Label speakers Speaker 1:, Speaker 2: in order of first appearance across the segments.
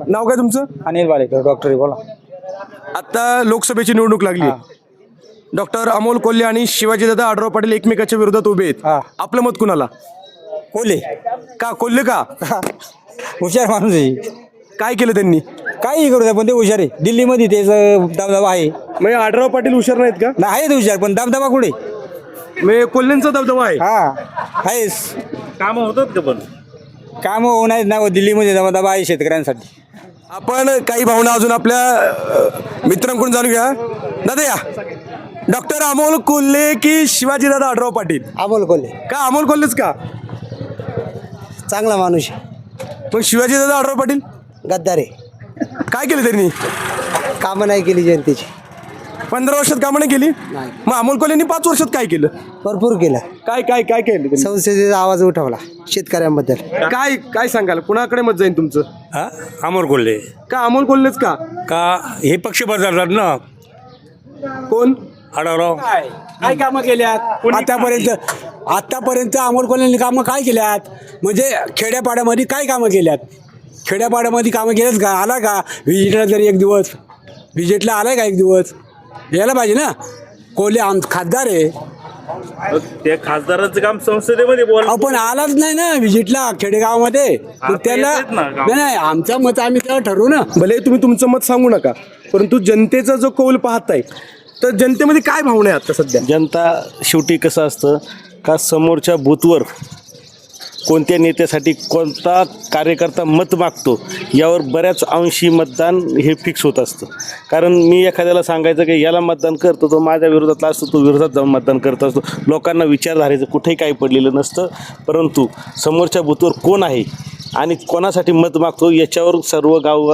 Speaker 1: नाव काय तुमचं?
Speaker 2: अनिल वालेकर डॉक्टर बोला.
Speaker 1: आता लोकसभेची निवडणूक लागली. डॉक्टर अमोल कोल्हे आणि शिवाजीदादा आढळराव पाटील एकमेकाच्या विरोधात उभे आहेत. आपलं मत कुणाला?
Speaker 2: कोल्हे.
Speaker 1: का कोल्हे का?
Speaker 2: हुशार माणूस आहे.
Speaker 1: काय केलं त्यांनी?
Speaker 2: काही करू द्या पण ते हुशार आहे. दिल्लीमध्ये तेच दबदबा आहे.
Speaker 1: म्हणजे आढळराव पाटील हुशार नाहीत का?
Speaker 2: नाही आहे ते हुशार पण दबदबा कुठे?
Speaker 1: म्हणजे कोल्हेंचा दबदबा आहे.
Speaker 2: आहेस
Speaker 3: काम होतात का पण?
Speaker 2: काम होणार नाही. दिल्लीमध्ये दबदबा आहे शेतकऱ्यांसाठी.
Speaker 1: आपण काही भावना अजून आपल्या मित्रांकडून जाणून घ्या. दादा या. डॉक्टर अमोल कोल्हे की शिवाजीदादा आढळराव पाटील?
Speaker 2: अमोल कोल्हे.
Speaker 1: का अमोल कोल्हेच का?
Speaker 2: चांगला माणूस
Speaker 1: मग शिवाजीदादा आढळराव पाटील
Speaker 2: गद्दार आहे.
Speaker 1: काय केलं त्यांनी?
Speaker 2: कामं नाही केली जनतेची.
Speaker 1: 15 वर्षात कामं नाही केली. मग अमोल कोल्हेंनी 5 वर्षात काय केलं?
Speaker 2: भरपूर केलं.
Speaker 1: काय काय काय केलं त्यांनी?
Speaker 2: संसदेचा आवाज उठवला शेतकऱ्यांबद्दल.
Speaker 1: काय काय सांगाल? कुणाकडे मत जाईल तुमचं?
Speaker 4: अमोल कोल्हे.
Speaker 1: का अमोल कोल्हेच का?
Speaker 4: का हे पक्ष बदलतात ना.
Speaker 1: कोण?
Speaker 4: आढळराव.
Speaker 2: काय कामं केल्यात आतापर्यंत अमोल कोल्हेंनी कामं काय केल्यात? म्हणजे खेड्यापाड्यामध्ये काय कामं केल्यात? खेड्यापाड्यामध्ये कामं केल्यात का? आला का व्हिजिटला जरी एक दिवस? व्हिजिटला आलाय का एक दिवस? यायला पाहिजे ना. कोल्हे खासदार आहे.
Speaker 3: त्या खासदारांचं काम संसदेमध्ये बोल.
Speaker 2: आपण आलाच नाही ना व्हिजिटला खेडेगावामध्ये. तर त्याला नाही आमचं मत आम्ही तेव्हा ठरवू ना.
Speaker 1: भले तुम्ही तुमचं मत सांगू नका, परंतु जनतेचा जो कौल पाहताय तर जनतेमध्ये काय भावना आहे आता सध्या?
Speaker 5: जनता शेवटी कसं असतं का समोरच्या बूथवर कोणत्या नेत्यासाठी कोणता कार्यकर्ता मत मागतो यावर बऱ्याच अंशी मतदान हे फिक्स होत असतं. कारण मी एखाद्याला सांगायचं की याला मतदान करतो तो माझ्या विरोधातला असतो, तो विरोधात जाऊन मतदान करत असतो. लोकांना विचारधारेचं कुठेही काही पडलेलं नसतं, परंतु समोरच्या बूथवर कोण आहे आणि कोणासाठी मत मागतो याच्यावर सर्व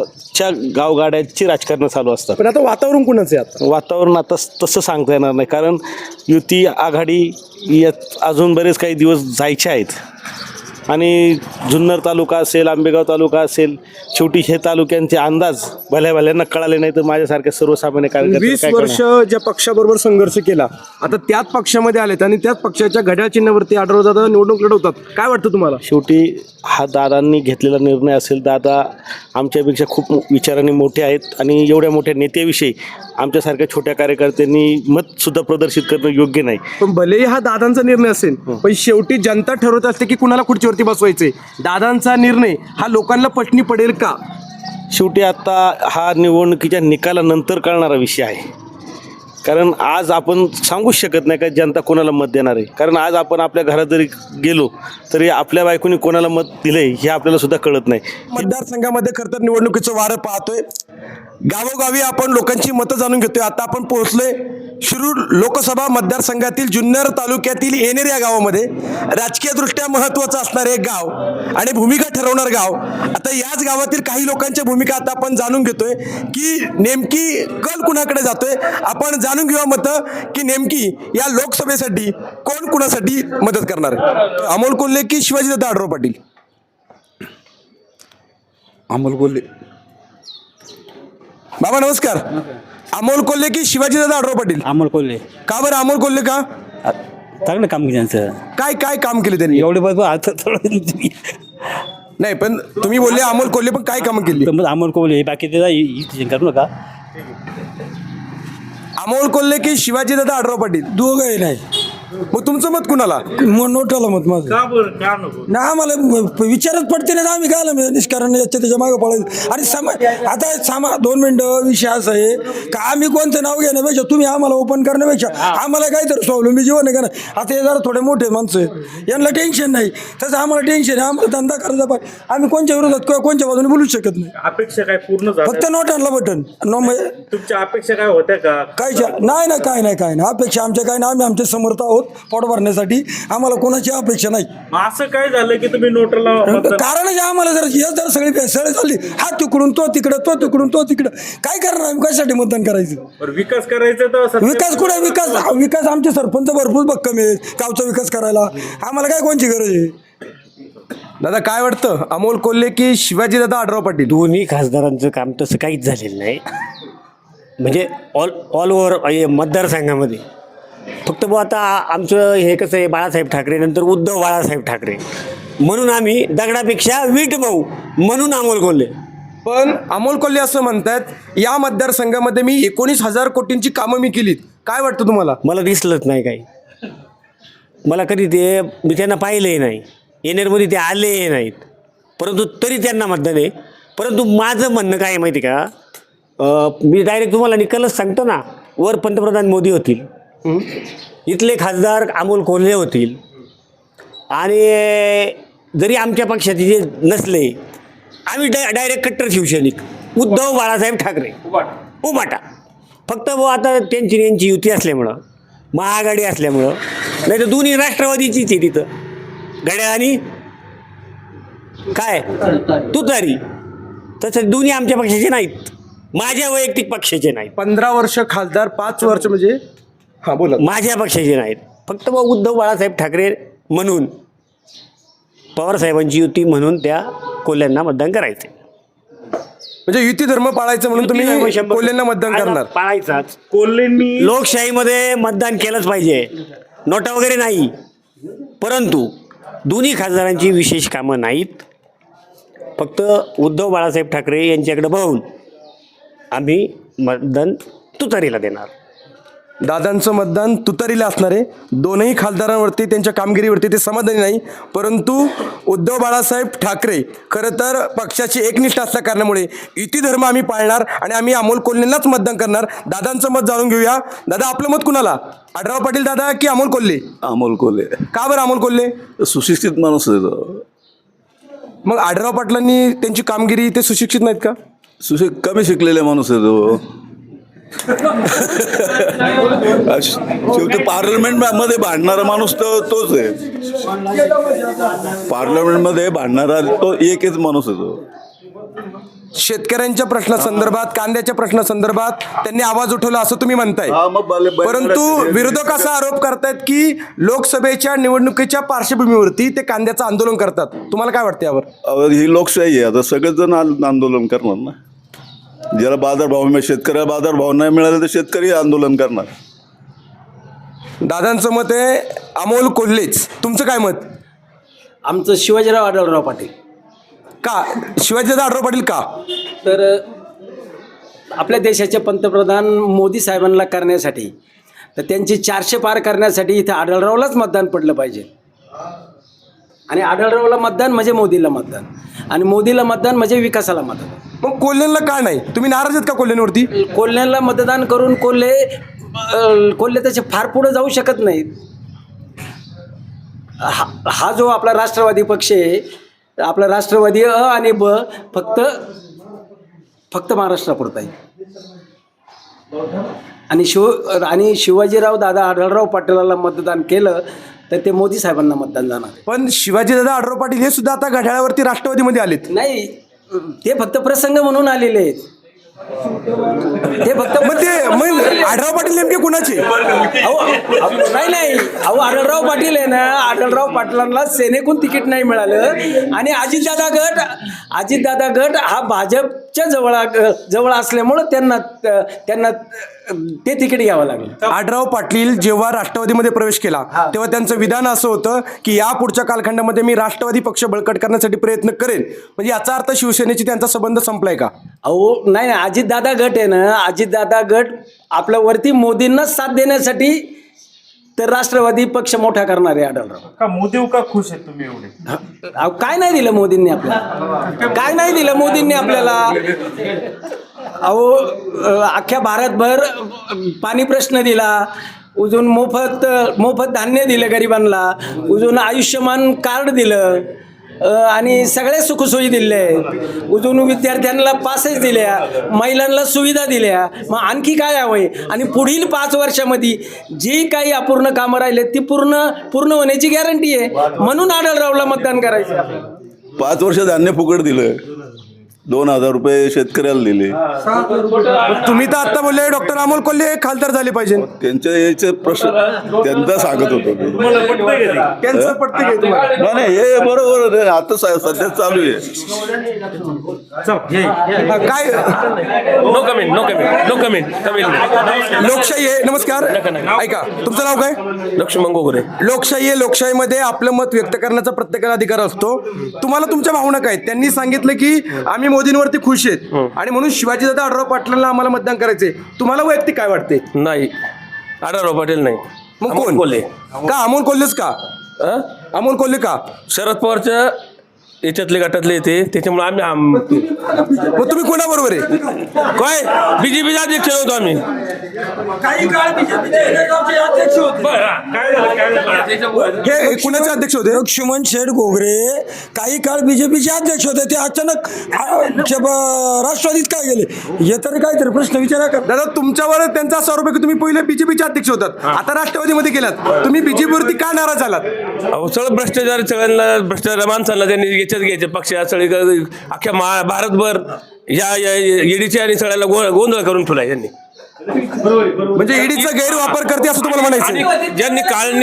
Speaker 5: गावगाड्याची राजकारणं चालू असतात.
Speaker 1: पण आता वातावरण कुणाचं आहे? आता
Speaker 5: वातावरण आता तसं सांगता येणार नाही, कारण युती आघाडी यात अजून बरेच काही दिवस जायचे आहेत. आणि जुन्नर तालुका असेल, आंबेगाव तालुका असेल, शेवटी हे तालुक्यांचे अंदाज भल्यांना कळाले नाही तर माझ्यासारख्या सर्वसामान्य
Speaker 1: 20 वर्ष ज्या पक्षाबरोबर संघर्ष केला आता त्याच पक्षामध्ये आलेत आणि त्याच पक्षाच्या घड्याळ चिन्हावरती आढळराव निवडणूक लढवतात. काय वाटतं तुम्हाला?
Speaker 5: शेवटी हा दादांनी घेतलेला निर्णय असेल. दादा आमच्यापेक्षा खूप विचारांनी मोठे आहेत आणि एवढ्या मोठ्या नेत्याविषयी आमच्यासारख्या छोट्या कार्यकर्त्यांनी मतसुद्धा प्रदर्शित करणं योग्य नाही.
Speaker 1: पण भलेही हा दादांचा निर्णय असेल पण शेवटी जनता ठरवत असते की कुणाला खुर्चीवरती बसवायचे. दादांचा निर्णय हा लोकांना पटणी पडेल का?
Speaker 5: शेवटी आता हा निवडणुकीच्या निकालानंतर कळणारा विषय आहे. कारण आज आपण सांगूच शकत नाही का जनता कोणाला मत देणार आहे. कारण आज आपण आपल्या घरात जरी गेलो तरी आपल्या बायकोनी कोणाला मत दिलंय हे आपल्याला सुद्धा कळत नाही.
Speaker 1: मतदारसंघामध्ये खरं तर निवडणुकीचं वारं पाहतोय. गावोगावी आपण लोकांची मतं जाणून घेतोय. आता आपण पोहोचलोय शिरूर लोकसभा मतदारसंघातील जुन्नर तालुक्यातील येणेर या गावामध्ये. राजकीयदृष्ट्या महत्त्वाचं असणारे एक गाव आणि भूमिका ठरवणार गाव. आता याच गावातील काही लोकांच्या भूमिका आता आपण जाणून घेतोय की नेमकी कल कुणाकडे जातोय. आपण जाणून घेऊया मतं की नेमकी या लोकसभेसाठी कोण कुणासाठी मदत करणार आहे. अमोल कोल्हे की शिवाजीदादा आढळराव पाटील?
Speaker 2: अमोल कोल्हे.
Speaker 1: बाबा नमस्कार. अमोल कोल्हे की शिवाजीदादा आढळराव पाटील?
Speaker 2: अमोल कोल्हे.
Speaker 1: का बरं अमोल कोल्हे का?
Speaker 2: चांगलं काम केलं त्यांचं.
Speaker 1: काय काय काम केले त्यांनी?
Speaker 2: एवढे बरोबर आता थोडं
Speaker 1: नाही पण तुम्ही बोलले अमोल कोल्हे, पण काय कामं केली?
Speaker 2: अमोल कोल्हे बाकी त्याचा करू नका.
Speaker 1: अमोल कोल्हे की शिवाजीदादा आढळराव पाटील?
Speaker 2: दोघंही नाही.
Speaker 1: मग तुमचं मत कुणाला?
Speaker 2: नोटाला मत माझं.
Speaker 3: का बरं? का नको?
Speaker 2: ना आम्हाला विचारच पडते ना आम्ही काय निष्कारण याच्या त्याच्या मागं पडायचं. आणि आता 2 मिनिटं विषय असा आहे का आम्ही कोणतं नाव घेण्यापेक्षा तुम्ही आम्हाला ओपन करण्यापेक्षा आम्हाला काहीतरी स्वावलंबी जीवन आहे का नाही. आता हे जरा थोडे मोठे माणसं आहेत यांना टेन्शन नाही, तसं आम्हाला टेन्शन आहे. आम्हाला धंदा करायचा पाहिजे. आम्ही कोणत्या विरोधात किंवा कोणत्या बाजूने बोलूच शकत नाही.
Speaker 3: अपेक्षा काय पूर्ण झाल्या?
Speaker 2: फक्त नोटांना बटन.
Speaker 3: तुमच्या अपेक्षा काय होत्या का?
Speaker 2: कायच्या नाही ना, काय नाही अपेक्षा आमच्या काय नाही. आम्ही आमचे समर्थ आहोत पोट भरण्यासाठी. आम्हाला कोणाची अपेक्षा नाही.
Speaker 3: असं काय झालं की तुम्ही नोटला
Speaker 2: कारण आम्हाला जर सगळी भेसळ झाली, हा तिकडून तो तिकडं, तो तिकडून तो तिकडं, काय करणार आम्ही? कशासाठी मतदान करायचं?
Speaker 3: विकास करायचा तर
Speaker 2: विकास कुठे? विकास आमचे सरपंच भरपूर भक्कम आहेत गावचा विकास करायला. आम्हाला काय कोणची गरज आहे?
Speaker 1: दादा काय वाटतं अमोल कोल्हे की शिवाजीदादा आढळराव पाटील?
Speaker 6: दोन्ही खासदारांचं काम तसं काहीच झालेलं नाही. म्हणजे ऑल ओव्हर मतदारसंघामध्ये फक्त आता आमचं हे कसं आहे, बाळासाहेब ठाकरे नंतर उद्धव बाळासाहेब ठाकरे म्हणून आम्ही दगडापेक्षा वीट भाऊ म्हणून अमोल कोल्हे.
Speaker 1: पण अमोल कोल्हे असं म्हणतात या मतदारसंघामध्ये मी 19,000 कोटींची कामं मी केलीत. काय वाटतं तुम्हाला?
Speaker 6: मला दिसलंच नाही काही. मला कधी ते मी त्यांना पाहिलंही नाही. येणेरमध्ये ते आलेही नाहीत, परंतु तरी त्यांना मतदान आहे. परंतु माझं म्हणणं काय आहे माहिती का, मी डायरेक्ट तुम्हाला निकालच सांगतो ना. वर पंतप्रधान मोदी होतील, इथले खासदार अमोल कोल्हे होतील, आणि जरी आमच्या पक्षाचे जे नसले, आम्ही डायरेक्ट कट्टर शिवसैनिक उद्धव बाळासाहेब ठाकरे उभाटा. फक्त आता त्यांची यांची युती असल्यामुळं, महाआघाडी असल्यामुळं, नाही तर दोन्ही राष्ट्रवादीचीच आहे तिथं, घड्याळ आणि काय तुतारी. तसं दोन्ही आमच्या पक्षाचे नाहीत, माझ्या वैयक्तिक पक्षाचे नाहीत.
Speaker 1: 15 वर्ष खासदार, 5 वर्ष म्हणजे हां बोला.
Speaker 6: माझ्या पक्षाचे नाहीत. फक्त उद्धव बाळासाहेब ठाकरे म्हणून, पवारसाहेबांची युती म्हणून त्या कोल्ह्यांना मतदान करायचे.
Speaker 1: म्हणजे युती धर्म पाळायचं म्हणून तुम्ही कोल्हेंना मतदान करणार?
Speaker 6: पाळायचाच.
Speaker 3: कोल्हेंनी
Speaker 6: लोकशाहीमध्ये मतदान केलंच पाहिजे, नोटा वगैरे नाही. परंतु दोन्ही खासदारांची विशेष कामं नाहीत. फक्त उद्धव बाळासाहेब ठाकरे यांच्याकडे बघून आम्ही मतदान तुतारीला देणार.
Speaker 1: दादांचं मतदान तुतारीला असणार आहे. दोनही खासदारांवरती, त्यांच्या कामगिरीवरती ते समाधानी नाही. परंतु उद्धव बाळासाहेब ठाकरे खरं तर पक्षाची एकनिष्ठ असल्या कारणामुळे युती धर्म आम्ही पाळणार आणि आम्ही अमोल कोल्हेंनाच मतदान करणार. दादांचं मत जाणून घेऊया. दादा, आपलं मत कुणाला? आढराव पाटील दादा की अमोल कोल्हे?
Speaker 7: अमोल कोल्हे.
Speaker 1: का बरं अमोल कोल्हे?
Speaker 7: सुशिक्षित माणूस आहे तो.
Speaker 1: मग आढराव पाटलांनी त्यांची कामगिरी, ते सुशिक्षित नाहीत का?
Speaker 7: कमी शिकलेले माणूस आहे तो. शेवटी पार्लमेंटमध्ये भांडणारा माणूस तोच आहे. पार्लमेंटमध्ये भांडणारा तो एकच माणूस आहे तो.
Speaker 1: शेतकऱ्यांच्या प्रश्नासंदर्भात, कांद्याच्या प्रश्नासंदर्भात त्यांनी आवाज उठवला असं तुम्ही म्हणताय.
Speaker 7: हा, मग
Speaker 1: परंतु विरोधक असा आरोप करतायत की लोकसभेच्या निवडणुकीच्या पार्श्वभूमीवरती ते कांद्याचं आंदोलन करतात. तुम्हाला काय वाटतं यावर?
Speaker 7: ही लोकशाही आहे. आता सगळेच जण आंदोलन करणार ना. ज्याला बाजारभाव मिळेल, शेतकऱ्याला बाजारभाव नाही मिळाले तर शेतकरी आंदोलन करणार.
Speaker 1: दादांचं मत आहे अमोल कोल्हेच. तुमचं काय मत?
Speaker 8: आमचं शिवाजीराव आढळराव पाटील.
Speaker 1: का शिवाजीदादा आढराव पाटील का?
Speaker 8: तर आपल्या देशाचे पंतप्रधान मोदी साहेबांना करण्यासाठी, तर त्यांची 400 पार करण्यासाठी इथं आढळरावलाच मतदान पडलं पाहिजे. आणि आढळरावला मतदान म्हणजे मोदीला मतदान, आणि मोदीला मतदान म्हणजे विकासाला मतदान.
Speaker 1: मग कोल्हेंना का नाही? तुम्ही नाराज आहेत का कोल्हेंवरती?
Speaker 8: कोल्ह्यांना मतदान करून कोल्हे त्याचे फार पुढे जाऊ शकत नाहीत. हा जो आपला राष्ट्रवादी पक्ष आहे, आपला राष्ट्रवादी अ आणि ब फक्त महाराष्ट्रापुरता आहे. आणि शिवाजीराव दादा आढळराव पाटलाला मतदान केलं तर ते मोदी साहेबांना मतदान जाणार.
Speaker 1: पण शिवाजीदादा आढराव पाटील हे सुद्धा आता घड्याळावरती राष्ट्रवादीमध्ये आलेत.
Speaker 8: नाही, ते फक्त प्रसंग म्हणून आलेले आहेत. ते फक्त
Speaker 1: मग आढराव पाटील नेमके कुणाचे?
Speaker 8: नाही आढळराव पाटील आहे ना, आढळराव पाटलांना सेनेकून तिकीट नाही मिळालं, आणि अजितदादा गट हा भाजपच्या जवळ असल्यामुळं त्यांना ते तिकीट घ्यावं लागलं.
Speaker 1: आढराव पाटील जेव्हा राष्ट्रवादीमध्ये प्रवेश केला तेव्हा त्यांचं विधान असं होतं की या पुढच्या कालखंडामध्ये मी राष्ट्रवादी पक्ष बळकट करण्यासाठी प्रयत्न करेन. म्हणजे याचा अर्थ शिवसेनेची त्यांचा संबंध संपलाय का?
Speaker 8: नाही, अजितदादा गट आहे ना, अजितदादा गट आपल्या वरती मोदींना साथ देण्यासाठी तर राष्ट्रवादी पक्ष मोठा करणार आहे आढळराव.
Speaker 3: का मोदी का खुश आहेत तुम्ही एवढे?
Speaker 8: काय नाही दिलं मोदींनी आपल्याला? काय नाही दिलं मोदींनी आपल्याला? अख्ख्या भारतभर पाणी प्रश्न दिला, अजून मोफत धान्य दिलं गरिबांना, अजून आयुष्यमान कार्ड दिलं, आणि सगळे सुखसोयी दिले, अजून विद्यार्थ्यांना पासेस दिल्या, महिलांना सुविधा दिल्या. मग आणखी काय हवंय? आणि पुढील 5 वर्षामध्ये जी काही अपूर्ण कामं राहिले ती पूर्ण होण्याची गॅरंटी आहे. म्हणून आढळरावला मतदान करायचं.
Speaker 7: 5 वर्ष धान्य फुकट दिलं, 2,000 रुपये शेतकऱ्याला दिले.
Speaker 1: तुम्ही तर आता बोलले डॉक्टर अमोल कोल्हे खासदार झाले पाहिजे.
Speaker 7: त्यांच्या याचे प्रश्न त्यांचा सांगत होतो मी.
Speaker 1: त्यांचं पटतं का तुम्हाला?
Speaker 7: नाही, हे बरोबर आहे. आता सध्या चालू आहे.
Speaker 1: काय
Speaker 3: no comment no comment no comment comment
Speaker 1: लोकशाही आहे. नमस्कार, ऐका, तुमचं नाव काय?
Speaker 3: लक्ष्मण गोगरे.
Speaker 1: लोकशाही आहे. लोकशाहीमध्ये आपलं मत व्यक्त करण्याचा प्रत्येकाला अधिकार असतो. तुम्हाला तुमच्या भावना काय? त्यांनी सांगितलं की आम्ही मोदींवरती खुश आहेत आणि म्हणून शिवाजीदादा आढळराव पाटलांना आम्हाला मतदान करायचंय. तुम्हाला वैयक्तिक काय वाटते?
Speaker 3: नाही, आढळराव पाटील नाही.
Speaker 1: मग
Speaker 3: अमोल
Speaker 1: कोण?
Speaker 3: कोल्हे.
Speaker 1: का अमोल कोल्हेच का? अमोल कोल्हे का?
Speaker 3: शरद पवारच्या याच्यातले गटातले येते, त्याच्यामुळे आम्ही
Speaker 1: मग तुम्ही कोणाबरोबर आहे?
Speaker 3: काय बीजेपीचा अध्यक्ष होतो आम्ही.
Speaker 2: काही काळ बीजेपीचे अध्यक्ष होते.
Speaker 1: हे कुणाचे अध्यक्ष होते?
Speaker 2: लक्ष्मण शेठ घोगरे काही काळ बीजेपीचे अध्यक्ष होते. ते अचानक राष्ट्रवादीत काय गेले हे तरी काहीतरी प्रश्न विचारा का.
Speaker 1: दादा, तुमच्यावर त्यांचा आरोप आहे की तुम्ही पहिले बीजेपीचे अध्यक्ष होतात, आता राष्ट्रवादीमध्ये गेलात. तुम्ही बीजेपीवरती का नाराज झालात?
Speaker 3: अहो, सगळं भ्रष्टाचार, सगळ्यांना भ्रष्टाचार माणसांना त्यांनी याच्यात घ्यायचे पक्ष सगळे अख्ख्या भारतभर या ईडीचे आणि सगळ्याला गोंधळ करून ठेवला यांनी.
Speaker 1: म्हणजे ईडीचा गैरवापर करते असं तुम्हाला म्हणायचं?
Speaker 3: आणि ज्यांनी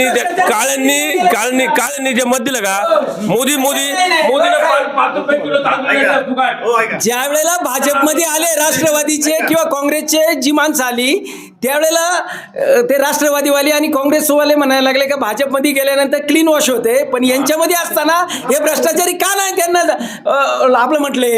Speaker 3: काळ्यांनी जे मत दिलं का मोदीला 5 रुपये किलो तांदूळ द्यायचा फुकट.
Speaker 8: ज्या वेळेला भाजपमध्ये आले राष्ट्रवादीचे किंवा काँग्रेसचे जी माणसं आली त्यावेळेला ते राष्ट्रवादीवाले आणि काँग्रेसवाले म्हणायला लागले का भाजपमध्ये गेल्यानंतर क्लीन वॉश होते, पण यांच्यामध्ये असताना हे भ्रष्टाचारी का नाही त्यांना आपलं म्हटले.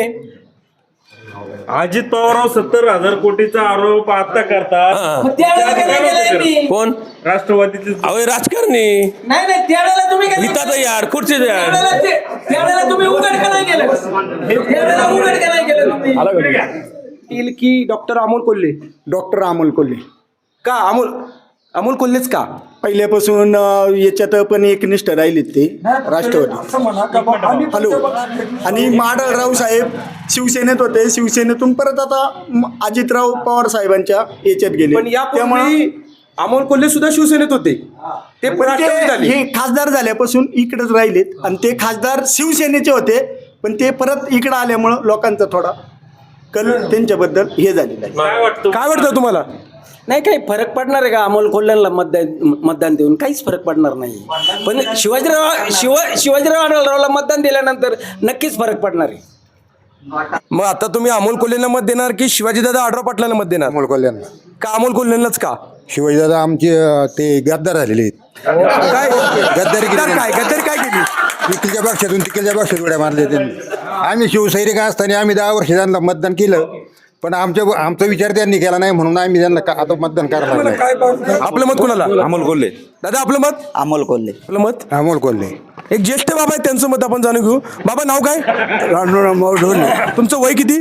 Speaker 3: अजित पवारराव 70,000 कोटीचा आरोप आता करतात.
Speaker 8: मग त्यावेळेला काय नाही केलं यांनी?
Speaker 3: कोण? राष्ट्रवादीतले अहो राजकारणी
Speaker 8: नाही त्यावेळेला तुम्ही काय
Speaker 3: हितात यार खुर्ची यार.
Speaker 8: त्यावेळेला तुम्ही उघड का नाही केलं? त्यावेळेला उघड का नाही केलं तुम्ही?
Speaker 1: की डॉक्टर अमोल कोल्हे?
Speaker 9: डॉक्टर अमोल कोल्हे.
Speaker 1: का अमोल कोल्हेच का?
Speaker 9: पहिल्यापासून याच्यात पण एकनिष्ठ राहिलेत ते राष्ट्रवादी. हॅलो. आणि आढळराव साहेब शिवसेनेत होते, शिवसेनेतून परत आता अजितराव पवार साहेबांच्या याच्यात गेले.
Speaker 1: पण यापूर्वी अमोल कोल्हे सुद्धा शिवसेनेत होते, ते राष्ट्रवादीत आले.
Speaker 9: हे खासदार झाल्यापासून इकडेच राहिलेत आणि ते खासदार शिवसेनेचे होते, पण ते परत इकडं आल्यामुळं लोकांचा थोडा कल त्यांच्याबद्दल हे झालेला आहे.
Speaker 1: काय वाटतं तुम्हाला?
Speaker 8: नाही काही फरक पडणार आहे का अमोल कोल्ह्यांना मतदान देऊन? काहीच फरक पडणार नाही. पण शिवाजीराव आढळरावला मतदान दिल्यानंतर नक्कीच फरक पडणार आहे.
Speaker 1: मग आता तुम्ही अमोल कोल्हेंना मत देणार की शिवाजीदादा आढळराव पाटलांना मत देणार?
Speaker 10: अमोल कोल्ह्यांना.
Speaker 1: का अमोल कोल्हेंनाच का?
Speaker 10: शिवाजीदादा आमचे ते गद्दार झालेले आहेत.
Speaker 1: काय
Speaker 10: गद्दारी केली.
Speaker 1: गद्दारी काय केली?
Speaker 10: तिकडच्या पक्षातून तिकडच्या पक्षात उड्या मारले त्यांनी. आम्ही शिवसैनिक असताना आम्ही 10 वर्ष त्यांना मतदान केलं, पण आमचा विचार त्यांनी केला नाही म्हणून आम्ही त्यांना आता मतदान करणार नाही.
Speaker 1: आपलं मत कुणाला?
Speaker 5: अमोल कोल्हे.
Speaker 1: दादा, आपलं मत?
Speaker 9: अमोल कोल्हे.
Speaker 1: आपलं मत?
Speaker 10: अमोल कोल्हे.
Speaker 1: एक ज्येष्ठ बाबा आहे, त्यांचं मत आपण जाणून घेऊ. बाबा, नाव काय? तुमचं वय किती?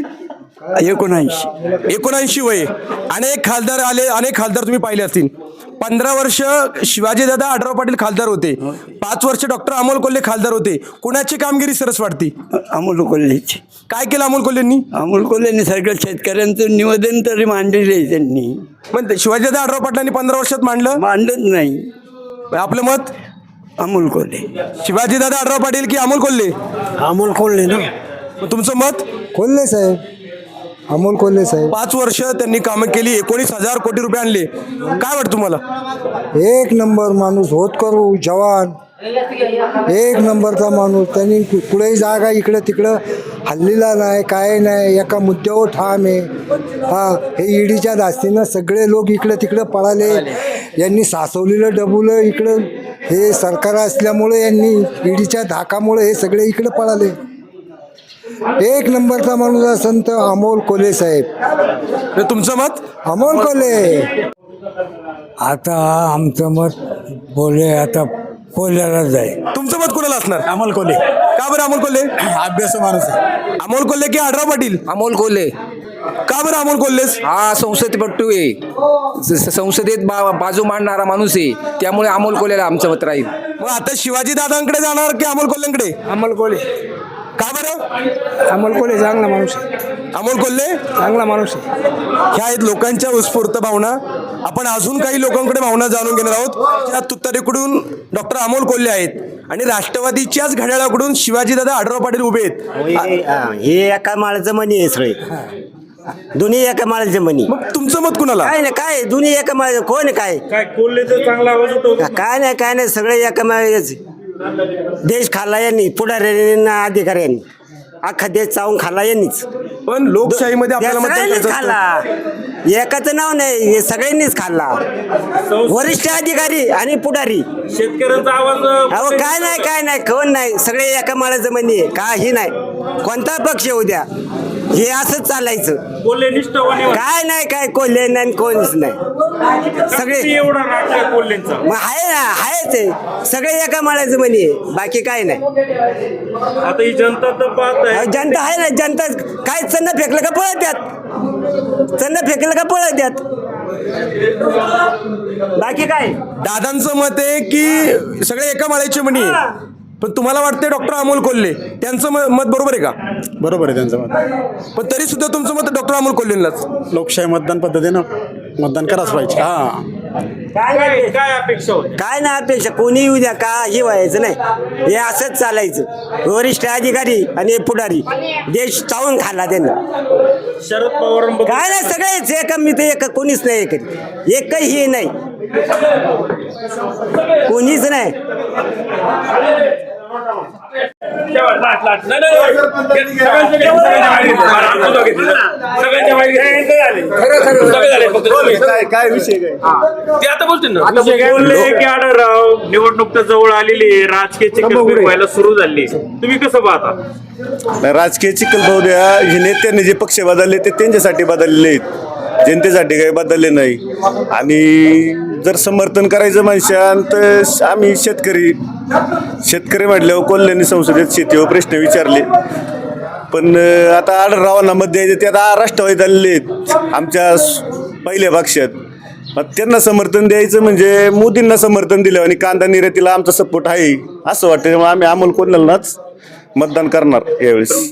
Speaker 1: 79 वय. अनेक खासदार आले, अनेक खासदार तुम्ही पाहिले असतील. 15 वर्ष शिवाजीदादा आढळराव पाटील खासदार होते, 5 वर्ष डॉक्टर अमोल कोल्हे खासदार होते. कुणाची कामगिरी सरस वाटते?
Speaker 2: अमोल कोल्हेची.
Speaker 1: काय केलं अमोल कोल्हेंनी?
Speaker 2: अमोल कोल्हेंनी सगळ्या शेतकऱ्यांचं निवेदन तरी मांडले त्यांनी.
Speaker 1: पण शिवाजीदादा आढळराव पाटलांनी 15 वर्षात मांडलं?
Speaker 2: मांडत नाही.
Speaker 1: आपलं मत?
Speaker 2: अमोल कोल्हे.
Speaker 1: शिवाजीदादा आढळराव पाटील की अमोल कोल्हे?
Speaker 2: अमोल कोल्हे ना.
Speaker 1: मग तुमचं मत?
Speaker 10: कोल्हे साहेब. अमोल कोल्हे साहेब.
Speaker 1: 5 वर्ष त्यांनी कामं केली, 19,000 कोटी रुपये आणले. काय वाटतं तुम्हाला?
Speaker 10: एक नंबर माणूस, होत करू जवान, एक नंबरचा माणूस. त्यांनी कुठेही जागा इकडं तिकडं हल्लीला नाही, काय नाही, एका मुद्द्यावर ठाम आहे. हे ईडीच्या धास्तीनं सगळे लोक इकडं तिकडं पळाले. यांनी सासवलेलं डबुलं इकडं हे सरकार असल्यामुळे यांनी ईडीच्या धाकामुळे हे सगळे इकडं पळाले. एक नंबरचा माणूस असेल तर अमोल कोल्हे साहेब.
Speaker 1: तुमचं मत?
Speaker 10: अमोल कोल्हे.
Speaker 2: आता आमचं मत आता कोल्ह्यालाच आहे.
Speaker 1: तुमचं मत कोणाला असणार?
Speaker 9: अमोल कोल्हे.
Speaker 1: का बरं अमोल कोल्हे?
Speaker 9: अभ्यास माणूस आहे.
Speaker 1: अमोल कोल्हे की आढळराव पाटील?
Speaker 11: अमोल कोल्हे.
Speaker 1: का बरं अमोल कोल्हेच?
Speaker 11: हा संसदपटू आहे, संसदेत बाजू मांडणारा माणूस आहे, त्यामुळे अमोल कोल्हेला आमचं मत राहील.
Speaker 1: मग आता शिवाजी दादांकडे जाणार की अमोल कोल्हेंकडे?
Speaker 2: अमोल कोल्हे.
Speaker 1: का बरं?
Speaker 2: अमोल कोल्हे चांगला माणूस आहे.
Speaker 1: अमोल कोल्हे
Speaker 2: चांगला माणूस आहे.
Speaker 1: ह्या आहेत लोकांच्या उत्स्फूर्त भावना. आपण अजून काही लोकांकडे भावना जाणून घेणार आहोत. त्या तुतारीकडून डॉक्टर अमोल कोल्हे आहेत आणि राष्ट्रवादीच्याच घड्याळाकडून शिवाजीदादा आढळराव पाटील उभे आहेत.
Speaker 6: हे एका माळाचं मनी आहे सगळे, दोन्ही एका माळाचे मनी.
Speaker 1: मग तुमचं मत कुणाला?
Speaker 6: काय नाही, काय दोन्ही एका माळ. कोण काय
Speaker 3: कोल्हेचा चांगला आवाज होतो.
Speaker 6: काय नाही सगळे एका माळाचे. देश खाल्ला यांनी, पुढाऱ्यांनी, अधिकाऱ्यांनी. अख्खा देश चावून खाल्ला यांनीच.
Speaker 1: पण लोकशाहीमध्ये आपल्याला मतदान
Speaker 6: सगळ्यांनीच
Speaker 1: करायचं असतं.
Speaker 6: खाल्ला, एकाचं नाव नाही, हे सगळ्यांनीच खाल्ला, वरिष्ठ अधिकारी आणि पुढारी.
Speaker 3: शेतकऱ्यांचा आवाज
Speaker 6: अहो काय नाही कोण नाही, सगळे एका माळाचं म्हणे, काही नाही, कोणता पक्ष येऊ द्या, हे असंच चालायचं.
Speaker 3: कोल्हे निष्ठावानी
Speaker 6: काय कोल्हे नाही कोणच नाही, सगळे
Speaker 3: एवढा राग आहे कोल्हेंचा.
Speaker 6: मग आहे ते सगळे एका माळाचं म्हणे, बाकी काय नाही.
Speaker 3: आता ही जनता तर पाहत आहे.
Speaker 6: जनता आहे ना, जनता काय चन्न फेकलं का पळत द्यात, चन्न फेकलं का पळत द्यात, बाकी काय.
Speaker 1: दादांचं मत आहे की सगळे एका माळ्याचे म्हणी आहे. पण तुम्हाला वाटते डॉक्टर अमोल कोल्हे त्यांचं मत बरोबर आहे का?
Speaker 9: बरोबर आहे त्यांचं मत.
Speaker 1: पण तरी सुद्धा तुमचं मत डॉक्टर अमोल कोल्हेंनाच.
Speaker 9: लोकशाही मतदान पद्धतीनं मतदान करायच पाहिजे.
Speaker 3: काय अपेक्षा होती?
Speaker 6: काय नाही अपेक्षा, कोणी येऊ द्या, काही व्हायचं नाही, हे असंच चालायचं. वरिष्ठ अधिकारी आणि पुढारी देश चावून खाल्ला त्यांना.
Speaker 3: शरद पवार
Speaker 6: काय नाही, सगळेच एक, मी तर एक, कोणीच नाही, एकही नाही, कोणीच नाही.
Speaker 9: काय विषय काय?
Speaker 3: ते आता बोलतील ना.
Speaker 4: बोलले की आढळराव निवडणूक तर जवळ आलेली आहे, राजकीय चिखलबेर व्हायला सुरू झाली, तुम्ही कसं पाहता?
Speaker 7: राजकीय चिखल भाऊ द्या, हे नेत्यांनी जे पक्ष बदलले ते त्यांच्यासाठी बदललेले आहेत, जनतेसाठी काही बदलले नाही. आणि जर समर्थन करायचं म्हणशाल तर आम्ही शेतकरी म्हटल्यावर कोल्ह्यांनी संसदेत शेतीवर प्रश्न विचारले, पण आता आढळरावांना मत द्यायचे ते आता राष्ट्रवादीत आलेले आहेत आमच्या पहिल्या पक्षात. मग त्यांना समर्थन द्यायचं म्हणजे मोदींना समर्थन दिलं आणि कांदा निर्यातीला आमचा सपोर्ट आहे असं वाटतं. त्यामुळे आम्ही अमोल कोल्हेंनाच मतदान करणार यावेळेस.